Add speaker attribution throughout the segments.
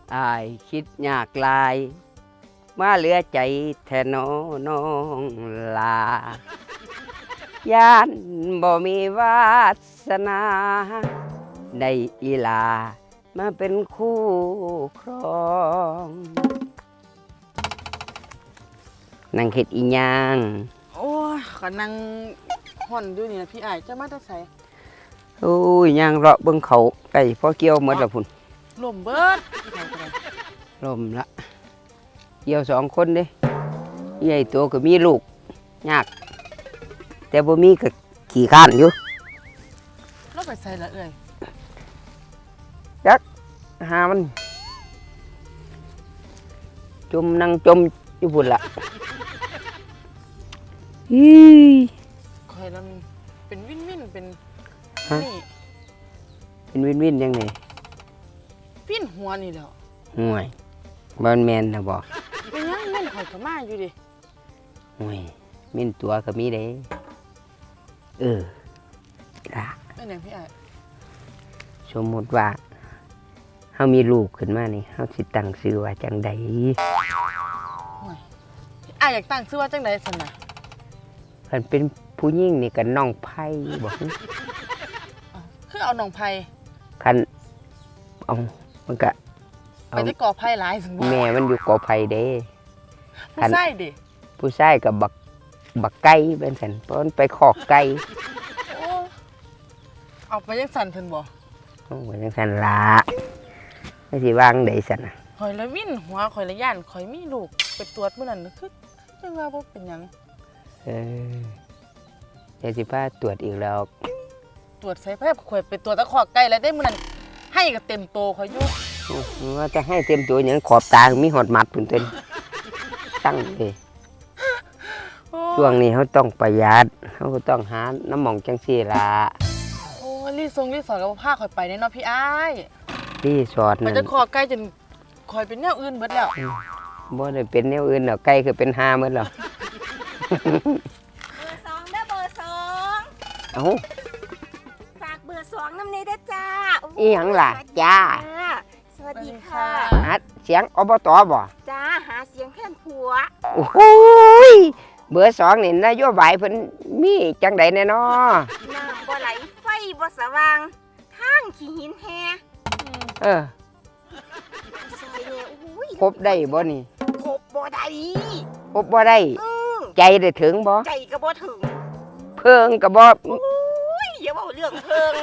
Speaker 1: อายคิดยากลายมาเหลือใจแทนน้องลาย่านบ่มีวาสนาได้อีลามาเป็นคู่ครองนั่งเฮ็ดอีหยัง
Speaker 2: โอ้ยก็นั่งห่อนอยู่นี่นะพี่อ้ายจะมาแต่ไส
Speaker 1: โอ้ยย่างเลาะเบิ่งเขาไก่พอเกี่ยวหมดละพุ่น
Speaker 2: ลมเบิดพี่อ้ายก็ได้
Speaker 1: ลมละเกี่ยว2 คนเด้ใหญ่ตัวก็มีลูกยากแต่บ่มีก็ขี้ข้านอยู่
Speaker 2: เราไปไสละเอ้ย
Speaker 1: หามันจมนั่งจมอยู่พุ่นละฮี
Speaker 2: คอยแล้วเป็นวินเป็นนี่
Speaker 1: เป็นวินยังไง
Speaker 2: ปิ้นหัวนี่แหล้ว
Speaker 1: ห่วยบ่แม่นนะบ่
Speaker 2: เป็นยังเม่นข่อยก็มาอยู่ดิ
Speaker 1: ห่วยมีนตัวก็มีเด้ล่ะ
Speaker 2: เป็นหยังพี่อ้าย
Speaker 1: สมมุติว่าเฮามีลูกขึ้นมานี่เฮาสิตั้งชื่อว่าจังใด
Speaker 2: โอ้ยพี่อ้ายอยากตั้งชื่อว่าจังได๋ซั่นน่ะ
Speaker 1: คันเป็นผู้หญิงนี่ก็น้องไผ่บ่
Speaker 2: คือเอาน้องไผ
Speaker 1: คันเอามันก็
Speaker 2: ไปได้ก่อไผหลายซั่นบ่
Speaker 1: แม่มันอยู่กอไผ่เด้
Speaker 2: ผู้ชายดิ
Speaker 1: ผู้ชายกับบักไก่เป็นสันเพราะมันไปขอกไก่
Speaker 2: โอ้เอาไปยังสั่นเพิ่นบ่
Speaker 1: โอ้ยจังสันละไม่สิวางได้สันน่ะ
Speaker 2: ข่อยละวินหัวข่อยละย่านข่อยมีลูกไปตรวจมื้อนั้นคือจังว่าบ่เป็นหยัง
Speaker 1: เดี๋ยวสิพาตรวจอีกแล้ว
Speaker 2: ตรวจใส่แพทย์ข่อยไปตรวจตะขอกไก่แล้วได้มื้อนั้นให้ก็เต็มโตข่อยอยู่
Speaker 1: ว่าจะให้เต็มตัวอย่างขอบตามีหอดมัดปุ่นเต้นตั้งเลย
Speaker 2: โอ้
Speaker 1: ช่วงนี้เขาต้องประหยัดเขาก็ต้องหาน้ำหมองจังซี่ละ
Speaker 2: โอ้รีสอร์ทก็บ่พาข่อยไปแน่เนาะพี่อ้าย
Speaker 1: ที่สอด
Speaker 2: ไป
Speaker 1: นั่น
Speaker 2: ตะขอกไก่จนข่อยเป็นแนวอื่นเบิดแล้ว
Speaker 1: บ่ได้เป็นแนวอื่นหรอกไก่คือเป็นหาหมดแล้ว
Speaker 3: เบอร์สองเด้อเบอร์สอง
Speaker 1: เอ้า
Speaker 3: ฝากเบอร์สองน้ำนี้ด้วยจ้า
Speaker 1: อีหยังล่ะจ้า
Speaker 3: สวัสดีค่ะ
Speaker 1: หาเสียงอบตบ่
Speaker 3: จ้าหาเสียงแค่นผัว
Speaker 1: โอ้โหยเบอร์2นี่นโยบายเพิ่นมีจังใดแน่นอ
Speaker 3: น้ำบ่ไหลไฟบ่สว่างทางขี้หินแฮ
Speaker 1: เออ
Speaker 3: ซอยเนี่ยอุ้ย
Speaker 1: ครบได้บ่นี่
Speaker 3: ครบบ่ได้
Speaker 1: ครบบ่ได้
Speaker 3: อือ
Speaker 1: ใจได้ถึงบ่
Speaker 3: ใจก็บ่ถึง
Speaker 1: เพิ่งก็บ่
Speaker 3: อุ้ยอย่าเว้าเรื่องเพิง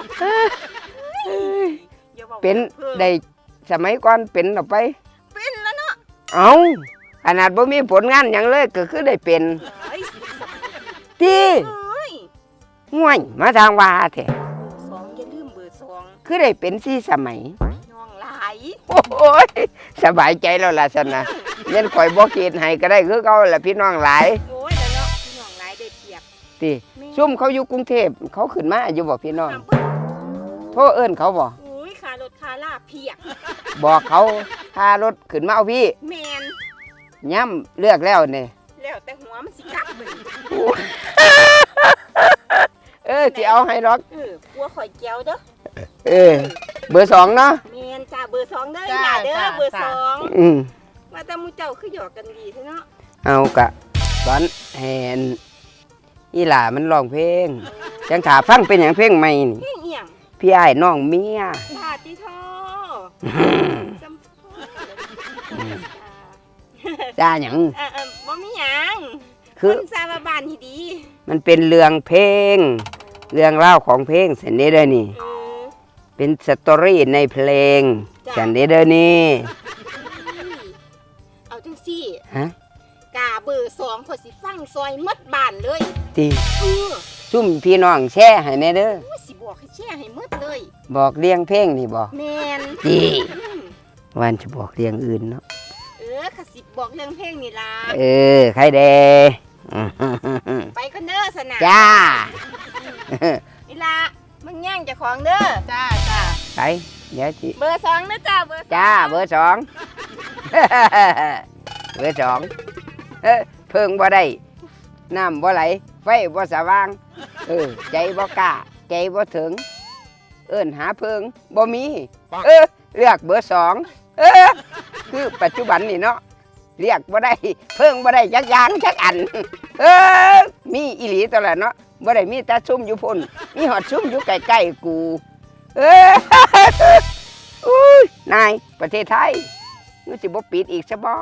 Speaker 3: อย่าว้า
Speaker 1: เป็น
Speaker 3: รื่อง
Speaker 1: ได้สมัยก่อนเป็นออกไป
Speaker 3: เป็นแล้วเนาะ
Speaker 1: เอ้าขนาดบ่มีผลงานหยังเลยก็คือได้เป็น
Speaker 3: เฮ้ยสมัย
Speaker 1: ที่
Speaker 3: เอ้ย
Speaker 1: ห่วยมาทางว่าแท้
Speaker 3: เบอร์สองอย่าลืมเบอร์สอง
Speaker 1: คือได้เป็นสี่สมัย
Speaker 3: น้องหลาย
Speaker 1: โอ้ยสบายใจแล้วล่ะซั่นน่ะเงินข่อยบ่คิดให้ก็ได้คือเก่าล่ะพี่น้องหลาย
Speaker 3: โอ้ยแล้วเนาะพี่น้องหลายได้เปรียบ
Speaker 1: ติซุ่มเขาอยู่กรุงเทพเขาขึ้นมาอยู่บ่พี่น้อง
Speaker 3: ถามเพิ่น
Speaker 1: โทรเอิ้นเขาบ่
Speaker 3: อุ้ยขารถขาลาเพียก
Speaker 1: บอกเขาพารถขึ้นมาเอาพี่
Speaker 3: แมน
Speaker 1: ย่ำเลือกแล้วนี่
Speaker 3: แล้วแต่หัวมันสิกลับมึง
Speaker 1: สิเอาให้หรอก
Speaker 3: กลัวข่อยแก้วเด้อ
Speaker 1: เบอร์2เนาะ
Speaker 3: แมนจ้าเบอร์สองเด้ออย่าเด้อเบอร์สอง
Speaker 1: อืม
Speaker 3: มาแต่หมูเจ้าคือหยอกกันดีเท่เนาะ
Speaker 1: เอากะตอนแหนอีหล่ามันร้องเพลงจังถาฟังเป็นอย่างเพลงใหม่นี่
Speaker 3: เพียงเอียง
Speaker 1: พี่อ้ายน้องเมีย
Speaker 3: ลาติโทจำพ่อ
Speaker 1: จ้าหยัง
Speaker 3: บ่มีหยัง
Speaker 1: คือ
Speaker 3: คนซาบาบานที่ดี
Speaker 1: มันเป็นเรื่องเพลง เรื่องเล่าวของเพลงสันเดเดอนี่ เป็นสตอรี่ในเพลงสันเดเดอนี่
Speaker 3: เอาจังซี่
Speaker 1: ฮะ
Speaker 3: กาเบอร์สองข่อยสิฟังซอยหมดบ้านเลย
Speaker 1: ตี
Speaker 3: เออ
Speaker 1: ซุ่มพี่น้องแช่ให้แน่เด้อ
Speaker 3: อุ้ยสิบอกให้แช่ให้หมดเลย
Speaker 1: บอกเรียงเพลงนี่บอก
Speaker 3: แมน
Speaker 1: ตี
Speaker 3: อืม
Speaker 1: วันจะบอกเรียงอื่นเนาะ
Speaker 3: ขสิบบอกเรื่องเพลงนี่ล่ะ
Speaker 1: ใครเด
Speaker 3: ไปกันเด้อสนะ
Speaker 1: จ้า
Speaker 3: นี่ล่ะมึงแย่งเจ้าของเด้อ
Speaker 2: จ้า
Speaker 1: ไปเดี๋ยวสิ
Speaker 3: เบอร์สองนะจ้าเบอร์สอง
Speaker 1: จ้าเบอร์ 2 เบอร์ 2เพิ่งบ่ได้น้ำบ่ไหลไฟบ่สว่างใจบ่กล้าใจบ่ถึง เอิ้นหาเพิ่งบ่มีเลือกเบอร์ 2 คือปัจจุบันนี่เนาะเรียกบ่ได้เพิ่งบ่ได้จักอย่างจักอันมีอีหลีตัวละเนาะบ่ได้มีแต่ซุ่มอยู่พุ่นมีหอดซุ่มอยู่ใกล้ๆกูอุ้ยนายประเทศไทยมันสิบ่ปิดอีกซะบ่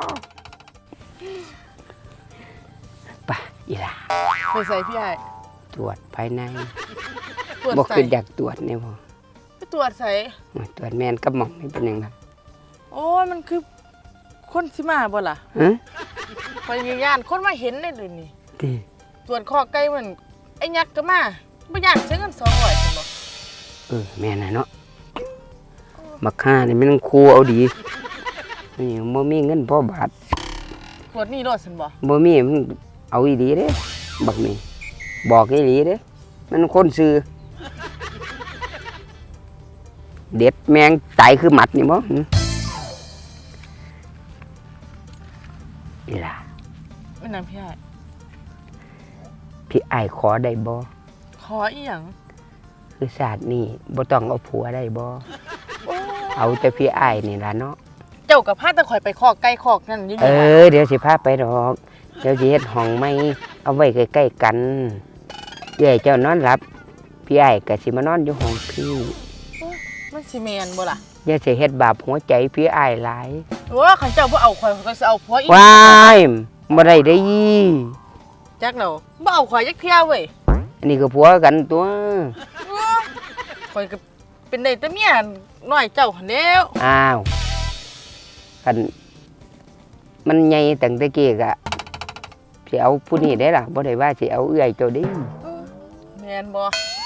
Speaker 1: ป่ะอีหล่า
Speaker 2: ไปใส่พี่ไอ้
Speaker 1: ตรวจภายใน
Speaker 2: ตรวจ
Speaker 1: บ่
Speaker 2: ใส่
Speaker 1: คืออยากตรวจเนี่ยบ่
Speaker 2: ไปตรวจใส่
Speaker 1: ตรวจแม่นกับหม่องนี่เป็นหยังล่ะ
Speaker 2: โอ้ยมันคือคนสิมาบ่ล่ะ
Speaker 1: ฮะ
Speaker 2: พยานคนมาเห็นได้เลยนี่
Speaker 1: ติ
Speaker 2: ตรวจคอไก่มันไอ้ยักษ์ก็มาบ่ย่านเสียเงิน200ซั่นบ่
Speaker 1: แม่น่ะเนาะบักห่านี่มันครูเอาดีนี่บ่มีเงินพอบาท
Speaker 2: ตรวจนี่รอดซั่นบ่
Speaker 1: บ่มีมันเอาอีหลีเด้บักนี่บอกอีหลีเด้มันคนซื่อเด็ดแมงตายคือหมัดนี่บ่อีหล่า
Speaker 2: แม่นางพี่ไอ้
Speaker 1: พี่อ้ายขอได้บ่
Speaker 2: ขออีหยัง
Speaker 1: คือศาสตร์นี่บ่ต้องเอาผัวได้บ่
Speaker 2: โอ้
Speaker 1: เอาแต่พี่อ้ายนี่ล่ะเนาะ
Speaker 2: เจ้ากับพาตะข่อยไปคอกไก่คอกนั่นอยู่
Speaker 1: เดี๋ยวสิพาไปดอกเดี๋ยวสิเฮ็ดห้องใหม่เอาไว้ใกล้ๆกันเอ้ยเจ้านอนหลับพี่อ้ายก็สิมานอนอยู่ห้องพี่
Speaker 2: มันสิแม่นบ่ล่ะ
Speaker 1: อย่าสิเฮ็ดบาปหัวใจพี่อ้ายหลาย
Speaker 2: โอ้คันเจ้าบ่เอาข่อยก็สิเอาผัวอีก
Speaker 1: ว้ายบ่ได้เด้
Speaker 2: จักแล้วบ่เอาข่อยจักเที่ยเว้ย
Speaker 1: อันนี้ก็ผัวกันตัว
Speaker 2: ข่อยก็เป็นได้แต่เมียน้อยเจ้าหั่นแล้ว
Speaker 1: อ้าวคันมันใหญ่ตั้งแต่กี้ก็สิเอาผู้นี้ได้ล่ะบ่ได้ว่าสิเอาเอื้อยเจ้าเด้
Speaker 2: แม่นบ่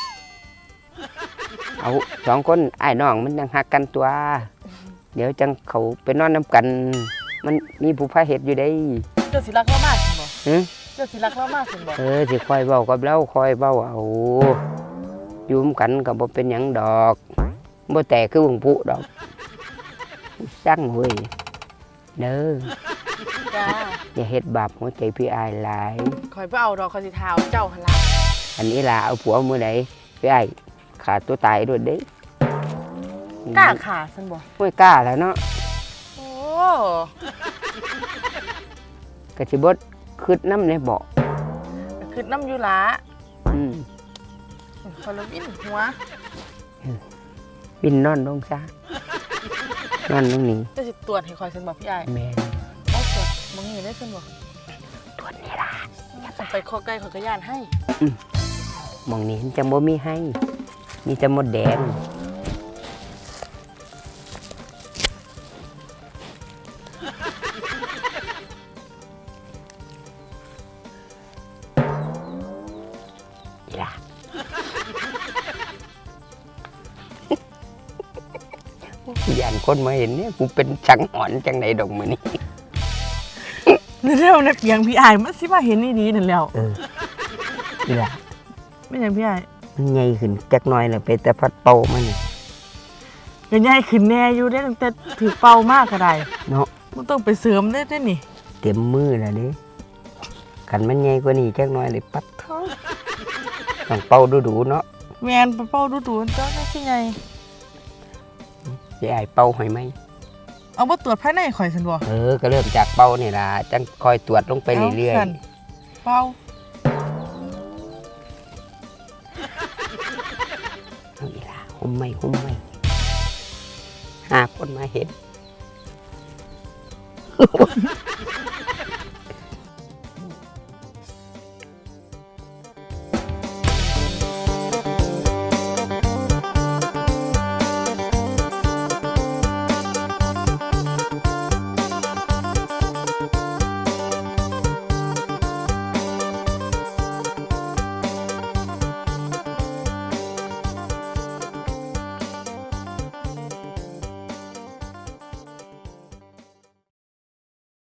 Speaker 1: เอาสองคนอ้ายน้องมันยังฮักกันตัว เดี๋ยวจังเขาไปนอนน้ำกัน มันมีผู้พาเฮ็ดอยู่ได้
Speaker 2: เจ้าสิรักเรามากซั่นบ่
Speaker 1: หึ
Speaker 2: เจ้าสิรักเรามากซั่นบ่
Speaker 1: สิคอยเว้ากับเราคอยเว้าเอาอยู่นำกันก็บ่เป็นหยังดอกบ่แตกคือวงผู้ดอกสั่งเว้ยเด้อ
Speaker 2: จ้า
Speaker 1: อย่าเฮ็ดบาปหัวใจพี่อายหลาย
Speaker 2: ข่อยบ่เอาดอกข่อยสิทาเอาเจ้าหั่นล่ะ
Speaker 1: อันนี้ล่ะเอาผัวมื้อใดพี่อายขาดตัวตายด้วยเด้
Speaker 2: กล้าขาซั่นบ่
Speaker 1: ไม่กล้าแล้วเนาะ
Speaker 2: โอ้
Speaker 1: ก็สิบ่คิดนำในเบาะ
Speaker 2: ก็คือน้ำอยู่ล่ะ
Speaker 1: อืม
Speaker 2: ข่อยละวินหัว
Speaker 1: วินนอนลงซะนอนลงนี่
Speaker 2: เจ้าสิตรวจให้ข่อยซั่นบ่พี่อ้าย
Speaker 1: แม่น
Speaker 2: เอาตรวจมึงนี่ได้ซั่นบ่
Speaker 1: ตรวจนี่ล่ะ
Speaker 2: ไปคอไก่ข่อยก็ย่านให้
Speaker 1: หมองนี้จังบ่มีให้ มีแต่มดแดงอีล่ะ ย่านคนมาเห็นเนี่ยกูเป็นสังหรณ์จังไหนดอกมื้อนี้
Speaker 2: เร็วนะเปียงพี่อ้ายมันสิมาเห็นอีหลีนั่นแล้ว
Speaker 1: อีล่ะ
Speaker 2: แม่นหยังพี่อ้าย
Speaker 1: มันใหญ่ขึ้นจักหน่อยแล้วไปแต่พัดเป่ามันนี่
Speaker 2: ก็ใหญ่ขึ้นแน่อยู่ได้ตั้งแต่ถือเป่ามากก็ได้
Speaker 1: เนาะ
Speaker 2: มันต้องไปเสริมได้นี่
Speaker 1: เต็มมือแล้วเด้คันมันใหญ่กว่านี้จักหน่อยเลยปัดเท้าต้องเป่าดูๆเนาะ
Speaker 2: แมนไปเป่าดูๆเจ้าได้สิไง
Speaker 1: สิอ้ายเป่าให้ไหม
Speaker 2: เอาบ่ตรวจภายในข่อยซั่นบ่
Speaker 1: ก็เริ่มจากเป่านี่ล่ะจังคอยตรวจลงไปเรื่อย
Speaker 2: าซั่นเป่า
Speaker 1: ๆเอาอีล่ะหุ่มไม่หาคนมาเห็น